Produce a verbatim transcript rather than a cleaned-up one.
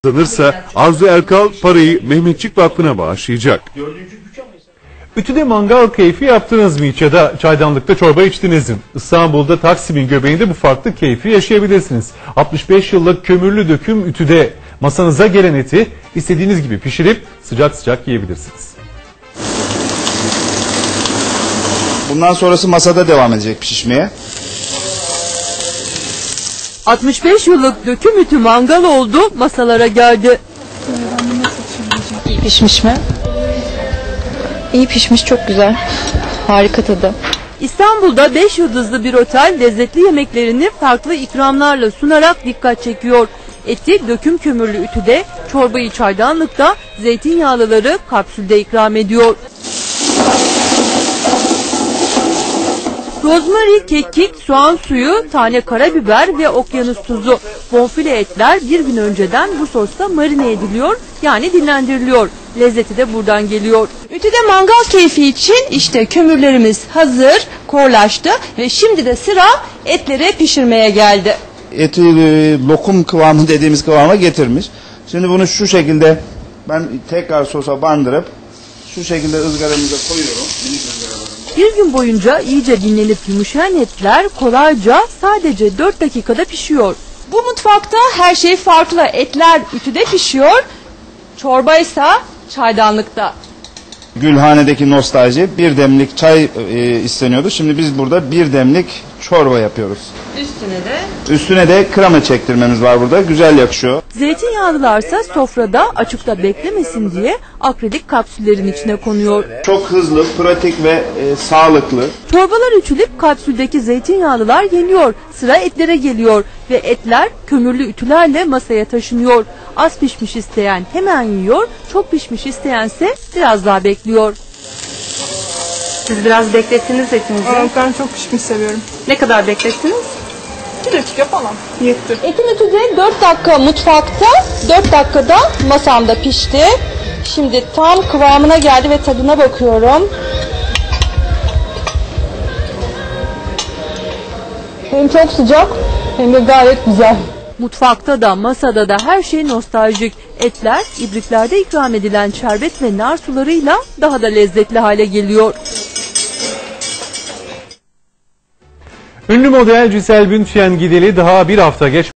Kazanırsa Arzu Erkal parayı Mehmetçik Vakfı'na bağışlayacak. Ütüde mangal keyfi yaptınız mı hiç ya da çaydanlıkta çorba içtiniz mi? İstanbul'da Taksim'in göbeğinde bu farklı keyfi yaşayabilirsiniz. altmış beş yıllık kömürlü döküm ütüde masanıza gelen eti istediğiniz gibi pişirip sıcak sıcak yiyebilirsiniz. Bundan sonrası masada devam edecek pişmeye. altmış beş yıllık döküm ütü mangal oldu, masalara geldi. İyi pişmiş mi? İyi pişmiş, çok güzel. Harika tadı. İstanbul'da beş yıldızlı bir otel lezzetli yemeklerini farklı ikramlarla sunarak dikkat çekiyor. Eti döküm kömürlü ütüde, çorbayı çaydanlıkta, zeytinyağlıları kapsülde ikram ediyor. Rozmari, kekik, soğan suyu, tane karabiber ve okyanus tuzu. Bonfile etler bir gün önceden bu sosta marine ediliyor, yani dinlendiriliyor. Lezzeti de buradan geliyor. Ütüde mangal keyfi için işte kömürlerimiz hazır, korlaştı ve şimdi de sıra etleri pişirmeye geldi. Eti e, lokum kıvamı dediğimiz kıvama getirmiş. Şimdi bunu şu şekilde ben tekrar sosa bandırıp şu şekilde ızgaramıza koyuyorum. Minik ızgaralarımda. Bir gün boyunca iyice dinlenip yumuşayan etler kolayca sadece dört dakikada pişiyor. Bu mutfakta her şey farklı. Etler ütüde pişiyor, çorba ise çaydanlıkta. Gülhane'deki nostalji bir demlik çay e, isteniyordu. Şimdi biz burada bir demlik çorba yapıyoruz. Üstüne de Üstüne de krema çektirmemiz var burada. Güzel yakışıyor. Zeytinyağlılarsa sofrada açıkta beklemesin diye akrilik kapsüllerin içine konuyor. Çok hızlı, pratik ve e, sağlıklı. Çorbalar ütülüp kapsüldeki zeytinyağlılar yeniyor. Sıra etlere geliyor ve etler kömürlü ütülerle masaya taşınıyor. Az pişmiş isteyen hemen yiyor, çok pişmiş isteyense biraz daha bekliyor. siz biraz beklettiniz etinizi. Evet, ben çok pişmiş seviyorum. Ne kadar beklettiniz? Bir dakika falan. Yetti. Etin ütüde dört dakika mutfakta, dört dakikada masamda pişti. Şimdi tam kıvamına geldi ve tadına bakıyorum. Hem çok sıcak hem de gayet güzel. Mutfakta da masada da her şey nostaljik. Etler ibriklerde ikram edilen şerbet ve nar sularıyla daha da lezzetli hale geliyor. Ünlü model Cisel Bündchen gideli daha bir hafta geç